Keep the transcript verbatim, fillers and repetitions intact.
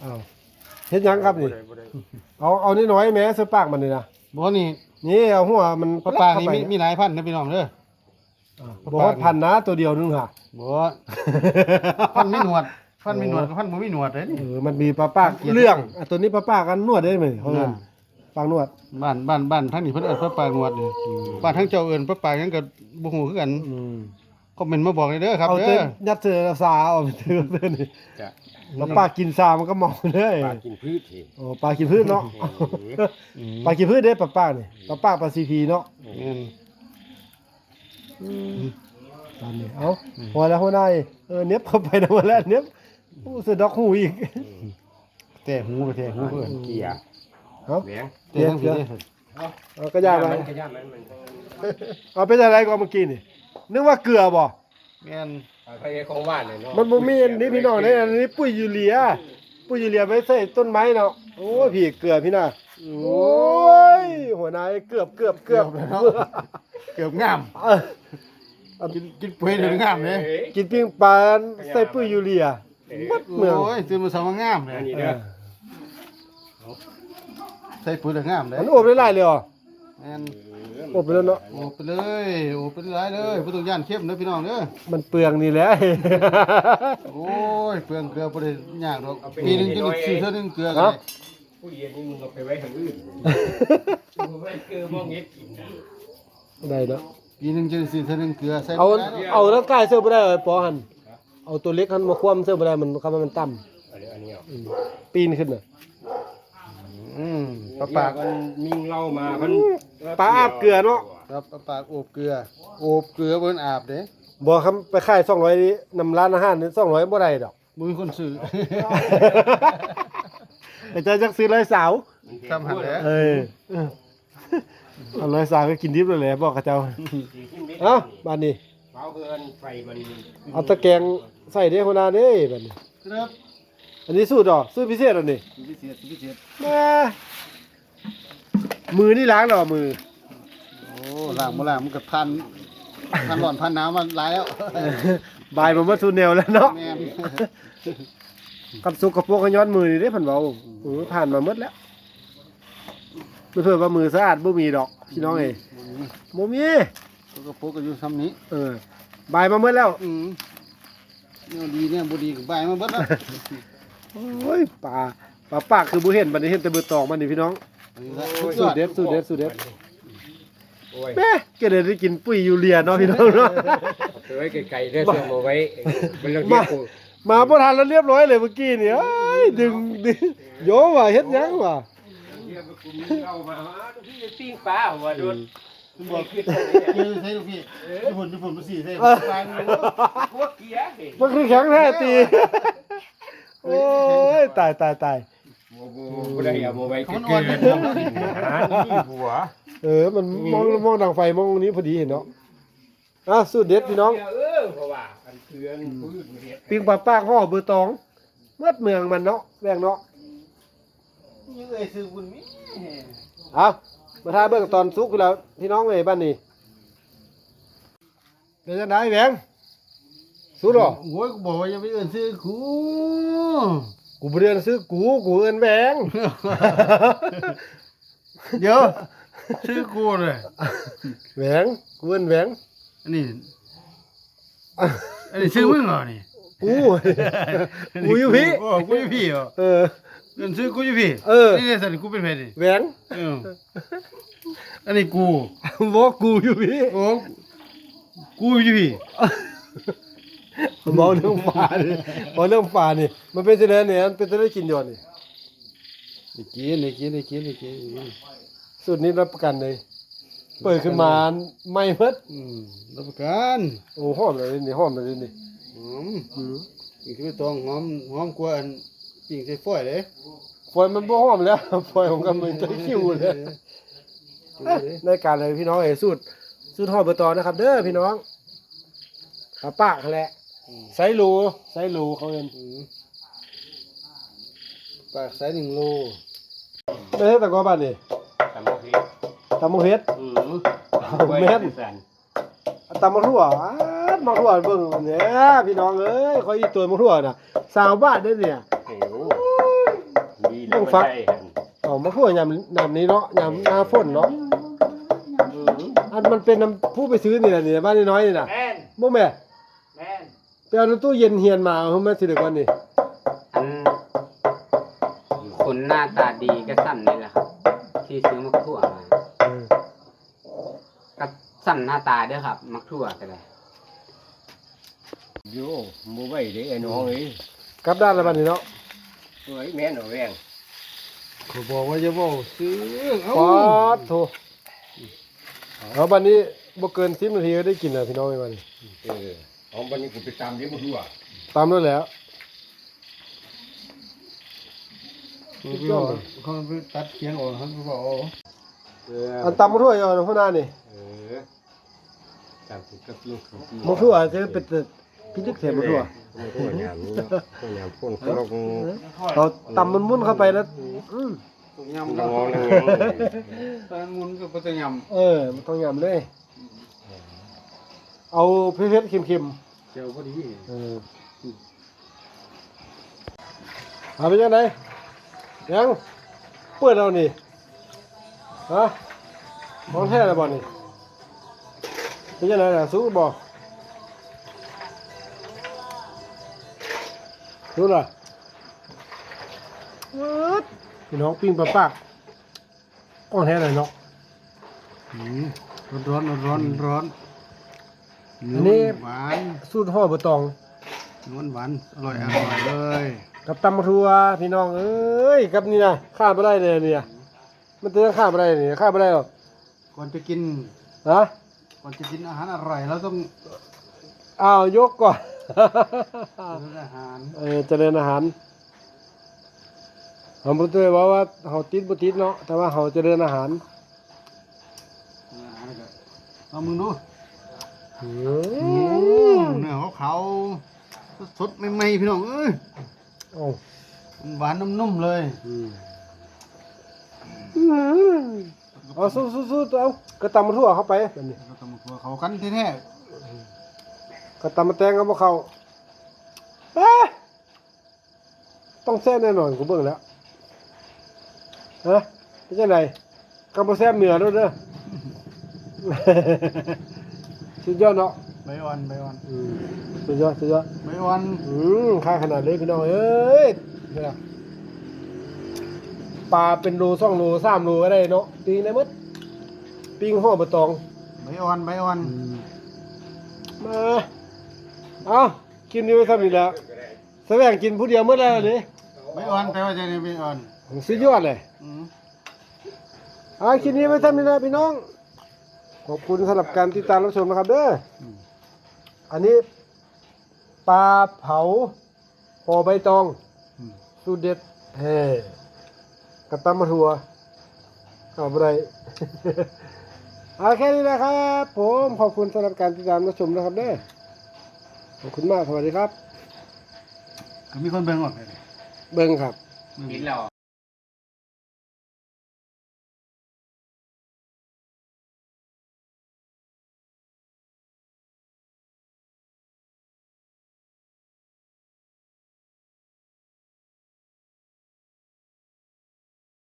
อ้าวเฮ็ดหยังครับนี่เอาเอานิดหน่อยแหมเสื้อปากมันนี่นะบ่นี่นี่เอาหัวมันปลาปากนี่มีมีหลายพันนะพี่น้องเด้อบ่ฮอดพันนะตัวเดียวนึงค่ะบ่พันมีหนวดพันมีหนวดกับพันบ่มีหนวดเด้นี่เออมันมีปลาปากเรื่องอ่ะตัวนี้ปลาปากกันนวดได้ไหมเพิ่นปากนวดบ้านบ้านบ้านทั้งนี้เพิ่นเอิ้นปลาปากหนวดนี่บ้านทั้งเจ้าเอิ้นปลาปากหยังก็บ่ฮู้คือกันอืมคอมเมนต์มาบอกเลยเด้อครับเอาเด้เต้อยัดเสือสาเอาไปเตือนเตือนนี่จะแล้วปลากินซามันก็เมาเลยปลากินพืชทีโอ้ปลากินพืชเนาะปลากินพืชเด้ปลาปากนี่ปลาปากปลาซีพีเนาะแม่นตามนี้เอ้าพอแล้วหัวหน้าเออเน็บเข้าไปนะหมดแล้วเน็บโอ้เสือดอกหูอีกแต่หูก็แต่หูเพิ่นเกียร์เอ้าแหวงแต่ทั้งพี่เด้อเอาก็ย่าไปมันก็ย่ามันมันเอาเป็นอะไรก่อนเมื่อกี้นี่นึกว่าเกลือบ่แม่นไปของว่านเลยเนาะมันบ่มีอันนี้พี่น้องเนี่ยอันนี้ปุ๋ยยูเรียปุ๋ยยูเรียไว้ใส่ต้นไม้เนาะโอ้ยพี่เกลือพี่น่ะโอ้ยหัวหน้าเกือบเกือบเกือบเกือบงามเออกินกินปุ๋ยเดี๋ยวงามเลยกินปิ้งปลาใส่ปุ๋ยยูเรียมัดเมืองโอ้ยตื่นมาสามางามเลยอันนี้เอเด้ออใส่ปุ๋ยเดี๋ยวงามเลยมันโอบได้หลายเลยเหรอแม่นโอบไปแล้วเนาะโอ้ไปเลยโอ้ไปหลายเลยบ่ต้องย่านเข้มเด้อพี่น้องเด้อมันเปลืองนี่แหละโอ้ยเปลืองเกลือบ่ได้ยากดอกปีหนึงจะได้ซื้อเท่านึงเกลือกันผู้เย็นนี่มึงเอาไปไว้ทางอื่นมึงไว้เกลือมองเงี้ยกินนะได้เนาะปีหนึงจะได้ซื้อเท่านึงเกลือใส่เอาบ่ได้ดอกเอาแล้วกายเสื้อบ่ได้เลยปอหันเอาตัวเล็กหันมาคว่ำเสื้อบ่ได้มันคำว่ามันต่ำอันนี้อันนี้อ่ะอืมปีนขึ้นน่ะอืมปปลาลาปาปาก กมันมิงเล่ามามันปลาอาบเกลือเนาะครับปลาปากโอบเกลือโอบเกลือบ่นอาบเด้บ่คำไปขายสองร้อยนี่นำร้านอาหารนี่สองร้อยบ่ได้ดอกบ่มีคนซื้อแต่จะจักซื้อร้อยสาวทำหันแหละเออเออเอาร้อยสาวก็กินดิบเลยแหละบอกกับเจ้าเอ้าบ้านนี้เผาเพื่อนไฟมันเอาตะแกรงใส่เด้คนนาเด้บัดนี้ครับอันนี้สูตรดอกสูตรพิเศษอันนี้พิเศษพิเศษแม่มือนี่ล้างดอกมือโอ้ล้างบ่ล้างมันก็พันพันร้อนพันหนาวมันหลายแล้วบายมันมาสูตรแนวแล้วเนาะแม่นกับสุกกับพวกก็ย้อนมือนี่เด้เพิ่นเว้าโอ้ผ่านมาหมดแล้วเพื่อว่ามือสะอาดบ่มีดอกพี่น้องเอ้ยบ่มีตัวกระปุกก็อยู่ซ้ำนี้เออ บายมาหมดแล้วอืมเนี่ยดีเนี่ยบ่ดีก็บายมาเบิดแล้วโอ้ยปลาปลาปากคือบ่เห็นบัดนี้เห็นแต่เบือตองมันนี่พี่น้องอันนี้ละสูตรเด็ดสูตรเด็ดสูตรเด็ดโอ้ยแม่แกเลยได้กินปุ๋ยยูเรียเนาะพี่น้องเนาะเอาไปไว้ไกลๆเด้อเสื้อมาไว้มันเรื่องมาเกี่ยวมาบ่ทันแล้วเรียบร้อยเลยเมื่อกี้นี่เอ้ยดึงดึงโยว่าเฮ็ดหยังวะเกี่ยวกับกลุ่มนี้เรามาว่าพี่จะปิ้งปลาว่าโดนคุณบอกคือใส่ลูกพี่ญี่ปุ่นญี่ปุ่นมาสี่ใส่เออปลาเนื้อพวกเกียร์เห็นมันคือแข็งแท้ตีโอ้ยตายตายตายโอ้โหบ่ได้เอามาไว้เกิมันนอ่อนๆมันเนาะอ่อนหานี่หัวเออมันมองมองดังไฟมองนี้พอดีเห็นเนาะอ่ะสูตรเด็ดพี่น้องเออเพราะว่าอันเทือนพืชมันเฮ็ดปิ้งปลาปากห่อเบอร์ตองเมื่อเมืองมันเนาะแรงเนาะยังเอ้ยซื้อบุญมีเอามาทาเบิ่งตอนสุกอยู่แล้วพี่น้องเอ้ยบ้านนี้เป็นจังได๋แหวงสุดหรอโอ้ยกูบอกว่าอย่าไปเอิ้นซื้อกูกูบ่เรียนซื้อกูกูเอิ้นแหวงเดี๋ยวซื้อกูเลยแหวงกูเอิ้นแหวงอันนี้อันนี้ซื้อมึงเหรอนี่กู กูอยู่พี่โอ้กูอยู่พี่เหรอเออเงินซื้อกูอยู่พี่เออนี่เนี่ยสันกูเป็นเพศดิแหวงเอออันนี้กูบอกกูอยู่พี่โอ้กูอยู่พี่บอกเรื่องป่านี่บอกเรื่องป่านี่มันเป็นจังได๋เนี่ยมันเป็นจังได๋กินอยู่นี่นี่กินนี่กินนี่กินนี่กินสูตรนี้รับประกันเลยเปิดขึ้นมาไม่เพิดอืมรับประกันโอ้หอมเลยนี่หอมเลยนี่หอมอือนี่คือตองหอมหอมกว่าอันปิ้งใส่ฝอยเด้ฝอยมันบ่หอมแล้ว ฝอยของกันมันจะคิวเลยในการเลยพี่น้องเอ้ยสูตรสูตรหอมเบอร์ตอนะครับ เด้อพี่น้องปลาปากแหละไซรูไซรูเขาเอิ้นอืมปากใส่หนึ่งโลได้เฮ็ดแต่ก็บ้านนี่ตำบักพริกตำมะเฮ็ดอืมแม่น ตำมะทั่วอ้าดมะทั่วเบิ่งเนี่ยพี่น้องเอ้ยคอยอีตัวมะทั่วน่ะสาวบ้านเด้อเนี่ยโอ้โหงฟักเอามาคั่วยามยามนี้เนาะยามหน้าฝนเนาะอันมันเป็นน้ำผู้ไปซื้อนี่แหละนี่บ้านน้อยๆนี่น่ะแม่นบ่แม่แม่นไปเอาในตู้เย็นเฮียนมาเอามาสิเดี๋ยวก่อนนี่อันคนหน้าตาดีก็สั่นนี่แหละครับ ที่ซื้อมักทั่วมาเออก็สั่นหน้าตาเด้อครับ มักทั่วก็ได้โย่บ่ไหวเด้ไอ้น้องเอ้ยกลับด้านแล้วบัดนี้เนาะเฮ้ยแม่นเอาแรงเขาบอกว่าจะบอกซื้อเอ้าปอดโถเอาบัดนี้บ่เกินสิบนาทีก็ได้กินแล้วพี่น้องไอ้บัดนี้เออเอาบัดนี้กูไปตามเดี๋ยวบ่รู้อ่ะตามแล้วแหล้วเขาไปบอกเขาไปตัดเขียงออกเขาไปบอกเอาเอออันตำมาทั่วอยู่อันพุ่นหน้านี่เออตามกูกับลูกของพี่มาทั่วจะเป็นแต่พี่ลึกเสียมาทั่วโอ้ยยามนี้โอ้ยยามพ่นเขาลงเราตำมันมุ่นเข้าไปแล้วอืมต้องงยำอก็งนั่งตอนมุนก็บ่ต้องยเออมันต้องยำเลย เอาเผ็ดๆเค็มำเจียวพอดีๆเออเอาไปยังไงยังเปิดเรานี่ฮะมองแท้แล้วบ่นี่เป็นยังไงล่ะสู้บ่สู้ล่ะอึ๊ดพี่น้องปิ้งปลาปากก้อนแท้เลยเนาะอืมร้อนร้อนร้อนร้อนอันนี้หวานสูตรห่อใบตองนวลหวานอร่อยอร่อยเลยกับตำบักทัวพี่น้องเอ้ยกับนี่นะข้ามไม่ได้เลยเนี่ยมันจะข้ามไม่ได้เนี่ยข้ามไม่ได้หรอกก่อนจะกินฮะก่อนจะกินอาหารอร่อยเราต้องอ้าวยกก่อนกินอาหารเออเจริญอาหารผมพูดเลยว่าว่าเขาติดบุติดเนาะแต่ว่าเขาเจริญอาหารอาหารก็เอามึงดูอือืมมเนื้อขาวๆสดๆใหม่ๆพี่น้องเอ้ยโอ้หวานนุ่มๆเลยอืมเอาสู้ๆๆเอากระตำมาทั่วเข้าไปแบบนี้เราต้องมาครัวเขากันแท้กระตำมาแตงเอามาเข้าเอ๊ะต้องแซ่บแน่นอนกูเบิ่งแล้วฮะเป็นจังไดกำบ่แซ่บเหนือด้วยเด้อ สุดยอดเนาะๆใบอ่อนใบอ่อนอืมสุดยอดสุดยอดใบอ่อนอืมค่าขนาดเลยพี่น้องเอ้ยเนี่ยปลาเป็นโลสองโลสามโลก็ได้เนาะปิ้งได้หมดปิ้งห่อใบตองใบอ่อนใบอ่อนมาเอากินดีไว้ทำอีกแล้วแสวงกินผู้เดียวเมื่อไรนี่ใบอ่อนแปลว่าจะนี่ใบอ่อนสุดยอดเลยอืมเอากินนี้ไว้ทำอีกแล้วพี่น้อง ขอบคุณสำหรับการติดตามรับชมนะครับเด้อออันนี้ปลาเผาห่อใบตองอืมสูตรเด็ดเฮ้กระตำมาทัวเอาไป เอาแค่นี้นะครับผมขอบคุณสำหรับการติดตามรับชมนะครับเด้อขอบคุณมากสวัสดีครับก็มีคนเบิ่งออกเลยเบิ้งครับกินแล้ว